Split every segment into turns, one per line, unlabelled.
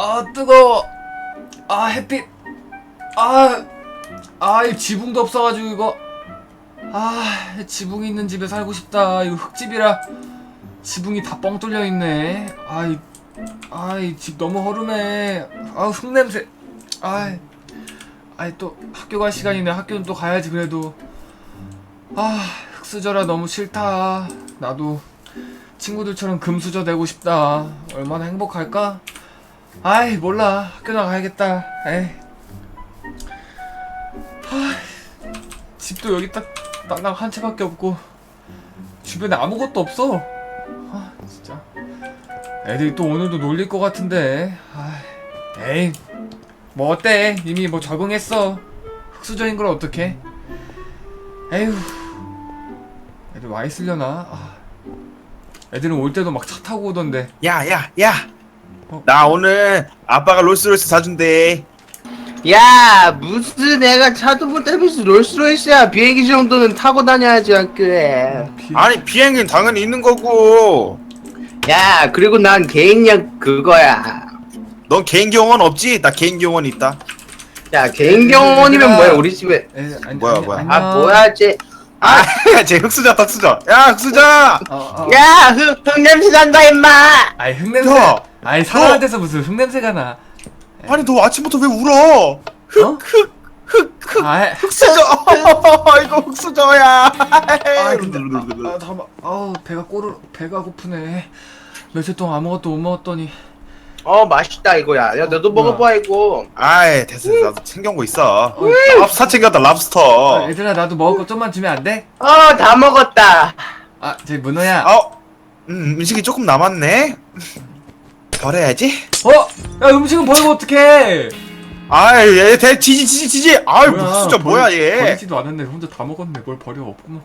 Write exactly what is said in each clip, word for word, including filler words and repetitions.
아 뜨거워. 아 햇빛. 아, 아 이 지붕도 없어가지고 이거. 아 지붕이 있는 집에 살고 싶다. 이거 흙집이라 지붕이 다 뻥 뚫려 있네. 아이, 아이 집 너무 허름해. 아 흙냄새. 아이, 아이 또 학교 갈 시간이네. 학교는 또 가야지 그래도. 아 흙수저라 너무 싫다. 나도 친구들처럼 금수저 되고 싶다. 얼마나 행복할까? 아이 몰라. 학교 나가야겠다. 에이. 아, 집도 여기 딱 땅땅 한 채밖에 없고 주변에 아무것도 없어. 아 진짜 애들이 또 오늘도 놀릴 것 같은데. 아, 에이 뭐 어때? 이미 뭐 적응했어. 흙수저인 걸 어떡해? 에휴, 애들 와 있으려나? 아, 애들은 올 때도 막 차 타고 오던데.
야, 야, 야.
어?
나 오늘 아빠가 롤스로이스 사준대.
야, 무슨 내가 차도 못 타면서 롤스로이스야. 비행기 정도는 타고 다녀야지 학교에.
비...
아니, 비행기는 당연히 있는 거고.
야, 그리고 난 개인력 그거야.
넌 개인기 영어는 없지? 나 개인기 영어는 있다.
야, 개인 경원이면 뭐야 우리 집에.
에, 아니,
뭐야,
아니,
뭐야.
안녕.
아, 뭐야 쟤.
아, 쟤 흑수저, 흑수저. 야, 흑수저.
어, 어.
야, 흙, 흙냄새 난다 임마.
아이 흙냄새.
야,
아이 사람한테서 무슨 흙냄새가 나.
아니, 너 아침부터 왜 울어? 흑,
어?
흑, 흑, 흑.
아,
흑수저. 이거 흑수저야.
아 근데 아, 아 잠깐. 아우 배가 꼬르 배가 고프네. 며칠 동안 아무것도 못 먹었더니.
어, 맛있다 이거야. 야, 너도
뭐야.
먹어봐 이거.
아이, 됐어, 됐어. 나도 챙겨온 거 있어.
어,
랍스터 챙겼다,
아,
랍스터.
얘들아 나도 먹을 거 좀만 주면 안 돼?
어, 다 먹었다.
아, 저 문어야.
어, 음, 음식이 조금 남았네. 덜해야지.
어? 야 음식은 버리고 어떡해?
아이, 얘, 대, 지지, 지지, 지지. 아이, 뭐,
뭐야,
진짜 뭐야,
버리-
얘.
버리지도 않았네. 혼자 다 먹었네. 뭘 버려 없구만.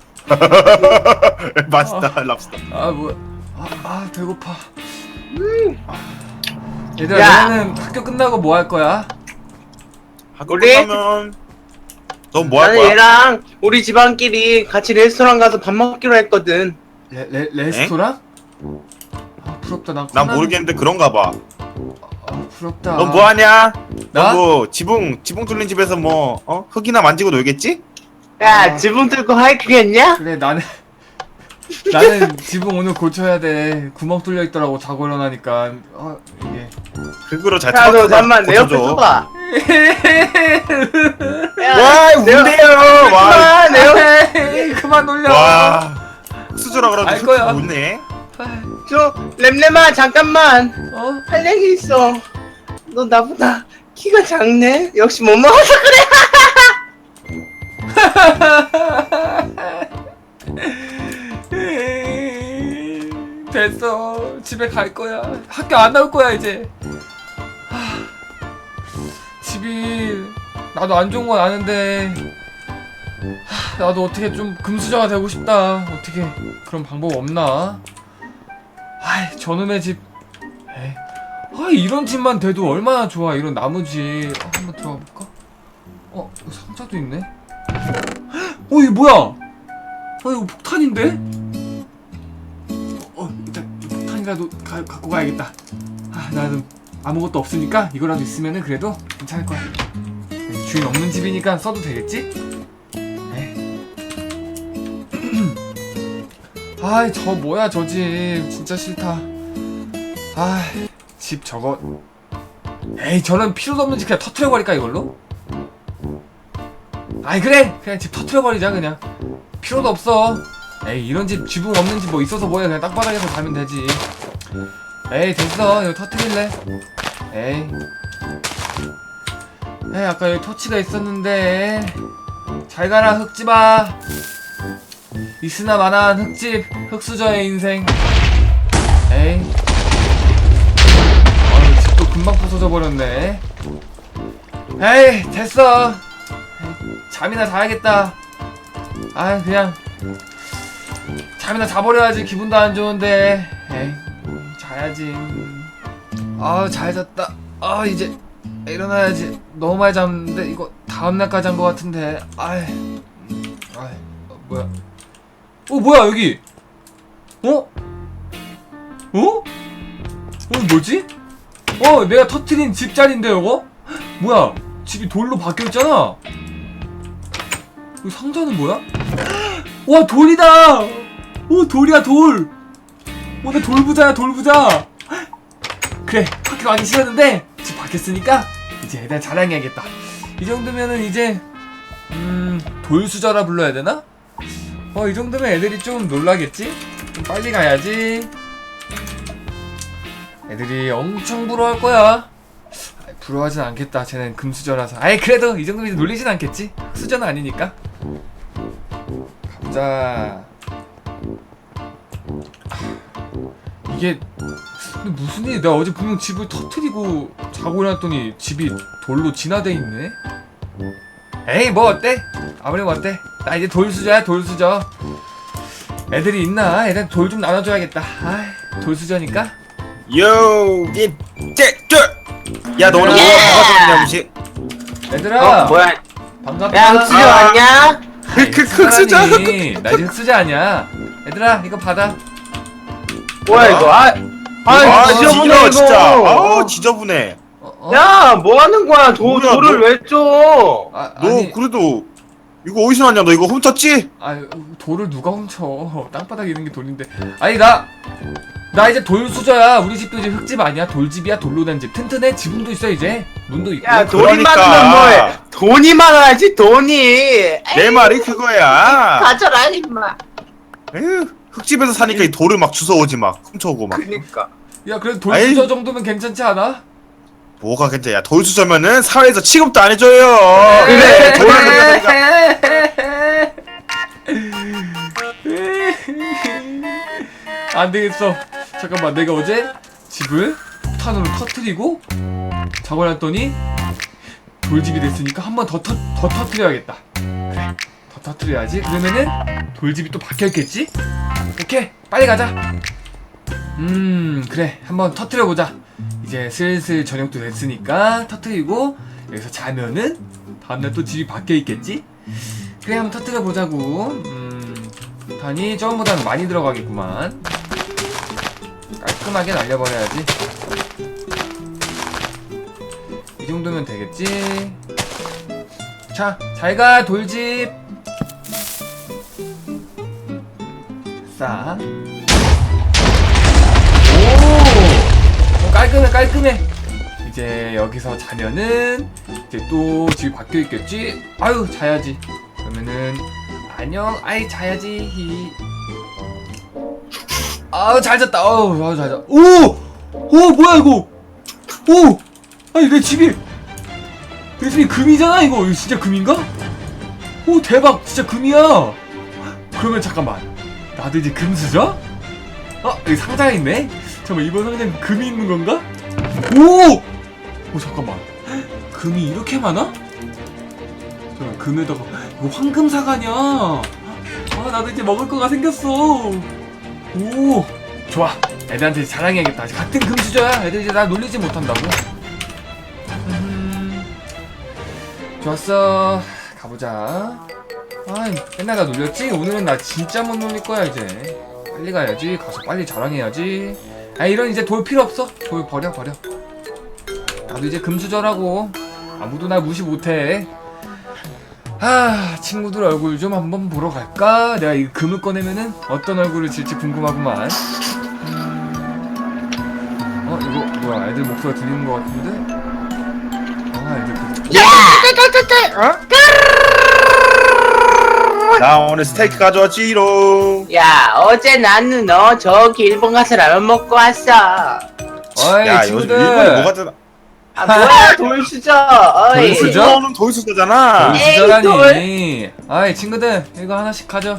맛있다, 랍스터.
아 뭐야? 아, 아 배고파. 아. 얘들아
야.
너는 학교 끝나고 뭐 할 거야?
학교
우리?
끝나면 넌 뭐 할
나는
거야?
얘랑 우리 집안끼리 같이 레스토랑 가서 밥 먹기로 했거든.
레, 레, 레스토랑? 아 부럽다. 난
난
커나는-
모르겠는데 그런가 봐.
아 부럽다.
넌 뭐 하냐?
나?
너뭐 지붕 지붕 뚫린 집에서 뭐 어? 흙이나 만지고 놀겠지?
야,
아.
지붕 뚫고 하이킹했냐?
그래 나는 나는 지붕 오늘 고쳐야 돼. 구멍 뚫려 있더라고 자고 일어나니까. 어 이게.
흙으로 잘
야, 너
쳐서
잠만 내 옆에
고쳐줘.
서봐.
와,
내 옆-
운대요. 와,
아, 내 옆-
에이, 그만 놀려.
와, 수저라
알
그러도
거야.
흙 웃네.
저 램램아 잠깐만
어?
할 얘기 있어. 너 나보다 키가 작네. 역시 못 먹어서 그래.
됐어. 집에 갈 거야. 학교 안 나올 거야 이제. 하, 집이 나도 안 좋은 건 아는데 하, 나도 어떻게 좀 금수저가 되고 싶다. 어떻게 그런 방법 없나? 아이 저놈의 집. 에이. 아 이런 집만 돼도 얼마나 좋아. 이런 나무집. 아, 한번 들어가 볼까? 어 이거 상자도 있네. 어 이게 뭐야? 어 이거 폭탄인데? 어 일단 폭탄이라도 가, 갖고 가야겠다. 아 나는 아무것도 없으니까 이거라도 있으면은 그래도 괜찮을 거야. 주인 없는 집이니까 써도 되겠지? 아이 저 뭐야 저 집 진짜 싫다. 아이 집 저거. 에이 저런 필요도 없는 집 그냥 터트려버릴까 이걸로? 아이 그래 그냥 집 터트려버리자 그냥. 필요도 없어. 에이 이런 집 지붕 없는 집 뭐 있어서 뭐해. 그냥 땅바닥에서 자면 되지. 에이 됐어 이거 터트릴래. 에이 에이 아까 여기 토치가 있었는데. 잘 가라 흙집아. 있으나 마나한 흙집 흙수저의 인생. 에이 아유 집도 금방 부서져 버렸네. 에이 됐어. 에이, 잠이나 자야겠다. 아 그냥 잠이나 자버려야지. 기분도 안 좋은데. 에이 자야지. 아 잘 잤다. 아 이제 일어나야지. 너무 많이 잤는데 이거 다음날까지 한 것 같은데. 아이 아이 어, 뭐야. 어 뭐야 여기. 어? 어? 어 뭐지? 어 내가 터트린 집자리인데 이거? 뭐야 집이 돌로 바뀌었잖아. 이 상자는 뭐야? 와 돌이다. 오 돌이야 돌. 오늘 돌부자야 돌부자. 그래 학교 가기 싫었는데 집 바뀌었으니까 이제 애들 자랑해야겠다. 이 정도면은 이제 음 돌수저라 불러야 되나? 어 이 정도면 애들이 좀 놀라겠지? 좀 빨리 가야지. 애들이 엄청 부러워할 거야. 아이, 부러워하진 않겠다. 쟤는 금수저라서. 아이 그래도 이 정도면 놀리진 않겠지? 수저는 아니니까. 가보자. 이게 근데 무슨 일이? 내가 어제 분명 집을 터트리고 자고 일어났더니 집이 돌로 진화돼 있네. 에이 뭐 어때? 아무리 뭐 어때? 나 이제 돌수저야 돌수저. 애들이 있나? 애들 돌 좀 나눠줘야겠다. 아이 돌수저니까.
요, 이제저야너 오늘
예!
뭐가 들었냐 무시?
얘들아
어 뭐야?
반갑다.
야 흑수저
아.
왔냐?
아이,
그 흑수저.
흑수저라니. 나 이제 흑수저 아니야. 얘들아 이거 받아.
뭐야 이거? 아, 아,
아
지저분해
지겨
이거.
진짜. 아 지저분해.
어, 어?
야, 뭐 하는 거야? 도,
뭐야,
돌을
뭐-
왜 줘?
아,
너
아니
그래도 이거 어디서 났냐? 너 이거 훔쳤지?
아 돌을 누가 훔쳐? 땅바닥에 있는 게 돌인데. 아니 나 나 이제 돌수저야. 우리 집도 이제 흙집 아니야? 돌집이야. 돌로 된 집. 튼튼해. 지붕도 있어 이제. 문도 있고.
야, 돈이
그러니까.
많으면 뭐해? 돈이 많아야지, 돈이.
내 말이 그거야.
가져라, 임마.
에휴, 흙집에서 사니까 이 돌을 막 주워오지 막 훔쳐오고 막.
그니까.
야 그래도 돌수저
아이.
정도면 괜찮지 않아?
뭐가 괜찮아? 야 돌수저면은 사회에서 취급도 안 해줘요.
그래,
돌을
그래.
가져가니까.
안 되겠어. 잠깐만 내가 어제 집을 폭탄으로 터트리고 자고 났더니 돌집이 됐으니까 한 번 더 터, 더 터트려야겠다. 그래 더 터트려야지. 그러면은 돌집이 또 바뀌었겠지? 오케이 빨리 가자. 음 그래 한번 터트려보자. 이제 슬슬 저녁도 됐으니까 터트리고 여기서 자면은 다음날 또 집이 바뀌어있겠지? 그래 한번 터트려보자고. 음 단이 처음보다는 많이 들어가겠구만. 깔끔하게 날려버려야지. 이 정도면 되겠지. 자 잘가 돌집. 싸. 오! 어, 깔끔해 깔끔해. 이제 여기서 자면은 이제 또 집이 바뀌어 있겠지. 아유 자야지. 그러면은 안녕. 아이 자야지. 히. 아우 잘 잤다. 아우 아우 잘 잤. 오! 오 뭐야 이거? 오! 아니 내 집이 내 집이 금이잖아 이거. 이거 진짜 금인가? 오 대박 진짜 금이야. 그러면 잠깐만 나도 이제 금수저? 어 여기 상자가 있네. 잠깐만 이번 상자는 금이 있는 건가? 오! 오 잠깐만 금이 이렇게 많아? 잠깐 금에다가 이거 황금사과냐? 아 나도 이제 먹을 거가 생겼어. 오 좋아 애들한테 자랑해야겠다. 같은 금수저야. 애들 이제 나 놀리지 못한다고. 음, 좋았어 가보자. 아 맨날 나 놀렸지? 오늘은 나 진짜 못 놀릴 거야. 이제 빨리 가야지. 가서 빨리 자랑해야지. 아 이런 이제 돌 필요 없어. 돌 버려 버려. 나도 이제 금수저라고. 아무도 나 무시 못해. 아 친구들 얼굴 좀 한번 보러 갈까? 내가 이 금을 꺼내면은 어떤 얼굴을 질지 궁금하구만. 어 이거 뭐야 애들 목소리 들리는 것 같은데? 아 애들 그...
어?
나 오늘 스테이크 가져왔지롱.
야, 어제 나는 너 저기 일본 가서 라면 먹고 왔어.
어이
야 요즘
친구들
일본이 뭐가 되나?
아, 뭐야, 돌수저. 어이.
돌수저?
일본은 돌수저잖아.
에이,
돌수저라니. 아이 친구들 이거 하나씩 가져.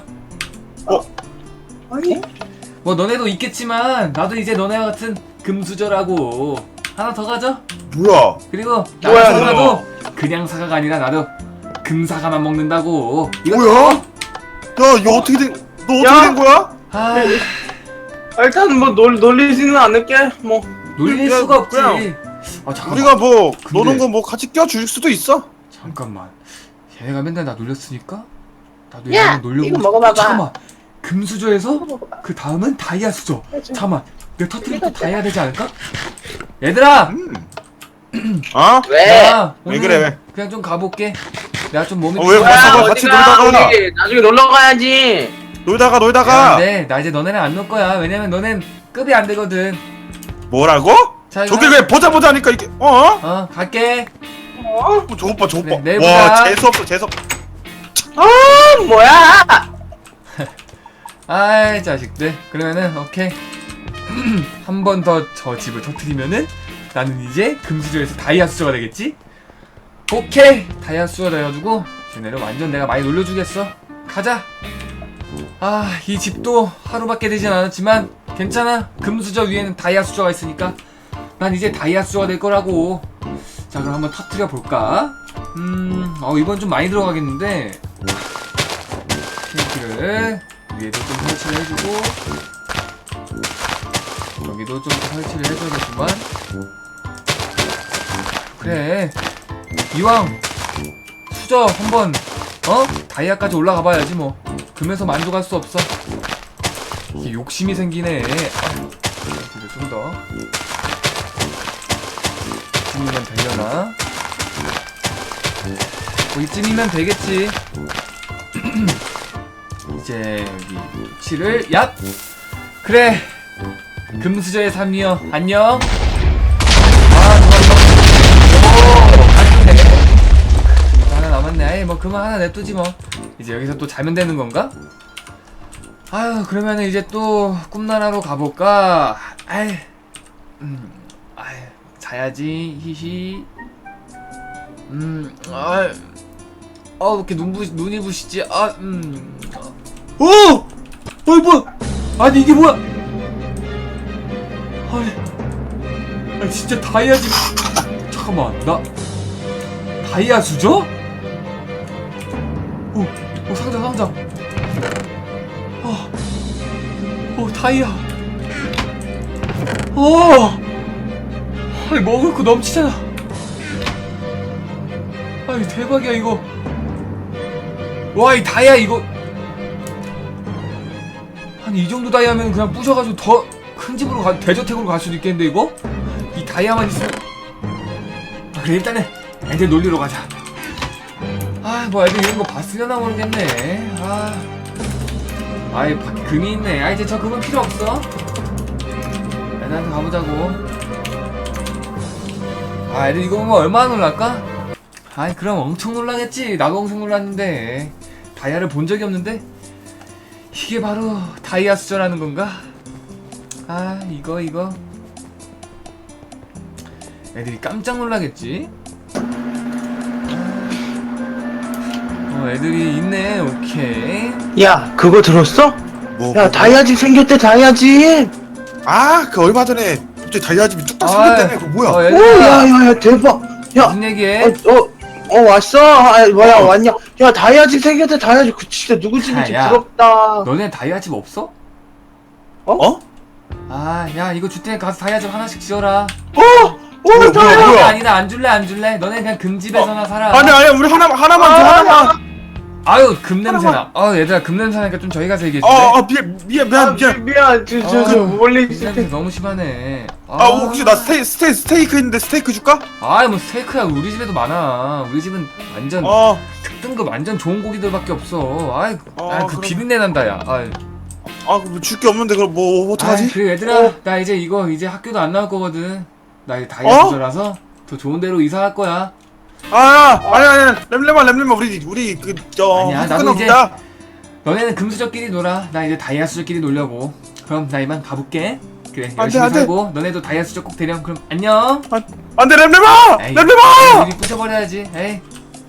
아니?
뭐 너네도 있겠지만 나도 이제 너네와 같은 금수저라고. 하나 더 가져.
뭐야?
그리고
뭐야,
나도 사과도 그냥 사과가 아니라 나도 금사과만 먹는다고. 이거
뭐야? 야 이거 어떻게 된? 너 어떻게
야.
된 거야?
아
일단 뭐 놀, 놀리지는 않을게. 뭐.
놀릴
야,
수가 없지.
그냥
아 잠깐만.
우리가 뭐
근데-
노는 거 뭐 같이 껴줄 수도 있어.
잠깐만. 얘네가 맨날 나 놀렸으니까 나도
야,
얘네를 놀려고.
이거 먹어봐봐.
잠깐만. 금수저에서
먹어봐.
그 다음은 다이아 수저.
해줘.
잠깐만. 내가 터뜨리고 다 해야 되지 않을까? 얘들아!
음. 어?
왜?
나
왜
오늘
그래, 왜?
그냥 좀 가볼게. 내가 좀 몸이
어, 왜
피곤해.
벌써
야,
가? 같이
어디가?
놀다가.
우리 나중에 놀러 가야지.
놀다가
야,
놀다가
근데 나 이제 너네랑 안 놀 거야. 왜냐면 너넨 급이 안 되거든.
뭐라고?
자, 이거
저게
한-
왜 보자 보자 하니까 이게 어?
어, 갈게.
어? 저거 봐 저거
그래,
봐.
내일
와
보자.
재수 없어 재수 없.
아 뭐야?
아이, 자식들. 그러면은, 오케이. 한 번 더 저 집을 터뜨리면은 나는 이제 금수저에서 다이아 수저가 되겠지? 오케이! 다이아 수저가 돼가지고 쟤네를 완전 내가 많이 놀려주겠어. 가자! 아, 이 집도 하루밖에 되진 않았지만 괜찮아. 금수저 위에는 다이아 수저가 있으니까 난 이제 다이아 수저가 될 거라고. 자, 그럼 한번 터뜨려 볼까? 음, 어, 이건 좀 많이 들어가겠는데. 탱크를 위에도 좀 설치를 해주고, 여기도 좀 설치를 해줘야겠구만. 그래, 이왕 수저 한번 어? 다이아까지 올라가 봐야지 뭐. 금에서 만족할 수 없어. 이게 욕심이 생기네. 아유, 이거 좀 더. 이쯤이면 되려나? 뭐 이쯤이면 되겠지. 이제 여기 칠을 얍! 그래! 금수저의 삶이여 안녕. 아 좋아 좋아. 오 깔끔해. 금수 하나 남았네. 아이 뭐 그만 하나 냅두지 뭐. 이제 여기서 또 자면 되는 건가? 아유 그러면은 이제 또 꿈나라로 가볼까? 아이 음 아이 자야지 히히. 음 아이 어 이렇게 눈부 눈이 부시지? 아 음. 어! 어이 뭐야? 아니 이게 뭐야? 아니, 아니 진짜 다이아 집. 잠깐만 나 다이아 수저? 오, 오 상자 상자. 어, 오 다이아. 어, 아니 먹을 거 넘치잖아. 아니 대박이야 이거. 와 이 다이아 이거. 아니 이 정도 다이아면 그냥 부셔가지고 더 큰 집으로 가, 대저택으로 갈 수도 있겠는데 이거? 이 다이아만 있으면. 아, 그래 일단은 애들 놀리러 가자. 아 뭐 애들 이런 거 봤으려나 모르겠네. 아 아이 밖에 금이 있네. 아 이제 저 금은 필요 없어. 애들한테 가보자고. 아 애들 이거 보면 얼마나 놀랄까? 아이 그럼 엄청 놀라겠지. 나도 엄청 놀랐는데 다이아를 본 적이 없는데 이게 바로 다이아 수저라는 건가? 아 이거 이거 애들이 깜짝 놀라겠지? 어 애들이 있네. 오케이.
야 그거 들었어?
뭐,
야
뭐,
다이아집 생겼대 다이아집.
아그 얼마 전에 갑자기 다이아집이 뚝딱
아,
생겼다며 그거 뭐야?
어,
오
얘들아
야야야 대박. 야
무슨 얘기해?
어, 어, 어 왔어? 아, 뭐야
어.
왔냐? 야 다이아집 생겼대 다이아집. 그 진짜 누구 집인지
야, 야.
부럽다.
너네 다이아 집 없어?
어?
아 야 이거 줄 테니 가서 다이아 집 하나씩 지어라.
어? 오
뭐야,
다이아.
뭐야?
아니 나 안 줄래 안 줄래. 너네 그냥 금집에서나 살아.
아니 아니 우리 하나 하나만 줘 하나만.
아유 금 냄새나. 아 얘들아 금 냄새나니까 좀 저희 가서 얘기해줄래?
어, 어 미안 미안
아,
미안 미안.
미안 저저 저
아,
멀리
금
있을
냄새
때.
너무 심하네.
아 혹시 나 스테이 스테이 스테이크 있는데 스테이크 줄까?
아이 뭐 스테이크야 우리 집에도 많아. 우리 집은 완전
어.
특등급 완전 좋은 고기들밖에 없어. 아이
어,
아이, 그
그럼-
비린내 난다 야. 아이.
아줄 게 없는데 그럼 뭐 어떡하지?
아이, 그 얘들아
어.
나 이제 이거 이제 학교도 안 나올 거거든. 나 이제 다이아
어?
수저라서 더 좋은 데로 이사할 거야.
아 아니 아니 렘렘아 렘렘아 우리 우리 그저
아니야, 나도 이제- 너네는 금수저끼리 놀아. 나 이제 다이아 수저끼리 놀려고. 그럼 나 이만 가볼게. 그래
안 돼,
열심히
안 돼.
살고 너네도 다이아 수저 꼭 대령. 그럼 안녕.
안돼 렘렘아
에이,
렘렘아.
우리 부셔버려야지. 에이.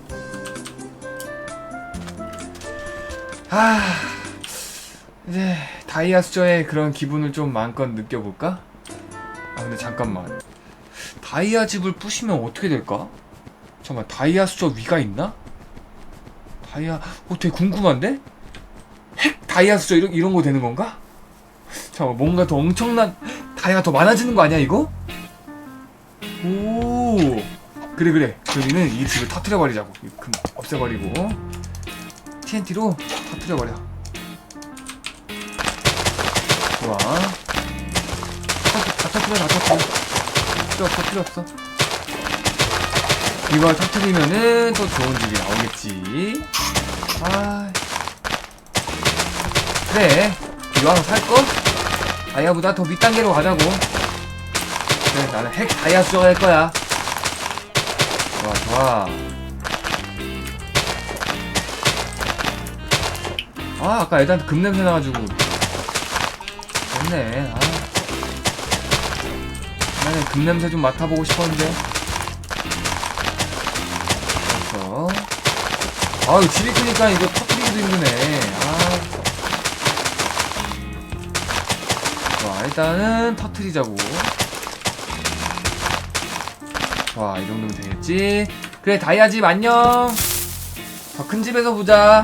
아 이제 다이아 수저의 그런 기분을 좀 마음껏 느껴볼까? 아 근데 잠깐만. 다이아 집을 부시면 어떻게 될까? 잠깐만 다이아 수저 위가 있나? 다이아 어 되게 궁금한데? 핵 다이아 수저 이런, 이런 거 되는 건가? 잠깐만 뭔가 더 엄청난 다이아가 더 많아지는 거 아니야 이거? 오 그래 그래 그러면은 이 집을 터트려버리자고. 금 없애버리고 티엔티로 터트려버려. 좋아. 터뜨려 다 터뜨려. 필요 없어 필요 없어. 이걸 터뜨리면은 또 좋은 집이 나오겠지. 아 그래 이왕 살거 다이아보다 더 밑단계로 가자고. 그래 나는 핵 다이아 수저가 될 거야. 좋아 좋아. 아 아까 애들한테 금 냄새 나가지고 됐네. 아 나는 금 냄새 좀 맡아보고 싶었는데. 됐어. 아유 집이 크니까 이거 터뜨리기도 힘드네. 아 좋아 일단은 터뜨리자고. 좋아 이 정도면 되겠지. 그래 다이아 집 안녕. 더 큰 집에서 보자.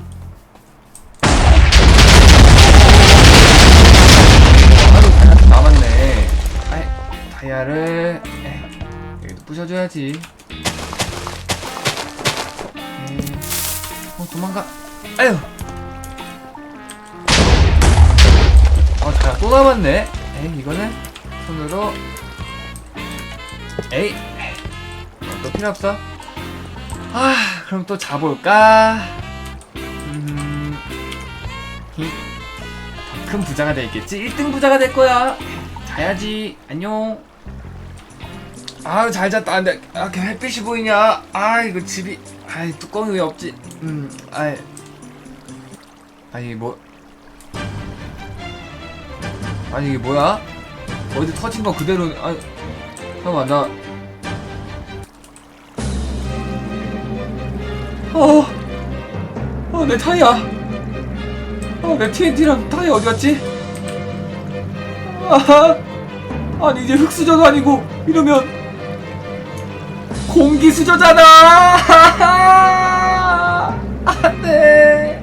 아유 다이아 좀 남았네. 아이 다이아를 에이, 여기도 부셔줘야지. 에이, 어 도망가. 아유 어 다이아 또 남았네. 에이 이거는 손으로. 에이 어, 또 필요 없어. 아 그럼 또 자볼까. 음, 더 큰 부자가 되겠지. 일 등 부자가 될 거야. 자야지. 안녕. 아유 잘 잤다. 안돼. 아 이렇게 햇빛이 보이냐. 아 이거 집이 아이 뚜껑이 왜 없지. 음 아이 아니 뭐 아니 이게 뭐야. 어디 터진 거 그대로. 아 잠깐만 나 어, 어, 내 타이야. 어, 내 티엔티랑 타이어 어디 갔지? 아하, 아니 이제 흙수저도 아니고 이러면 공기수저잖아. 안돼.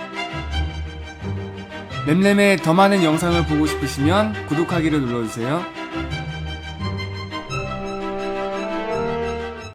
램램의 더 많은 영상을 보고 싶으시면 구독하기를 눌러주세요.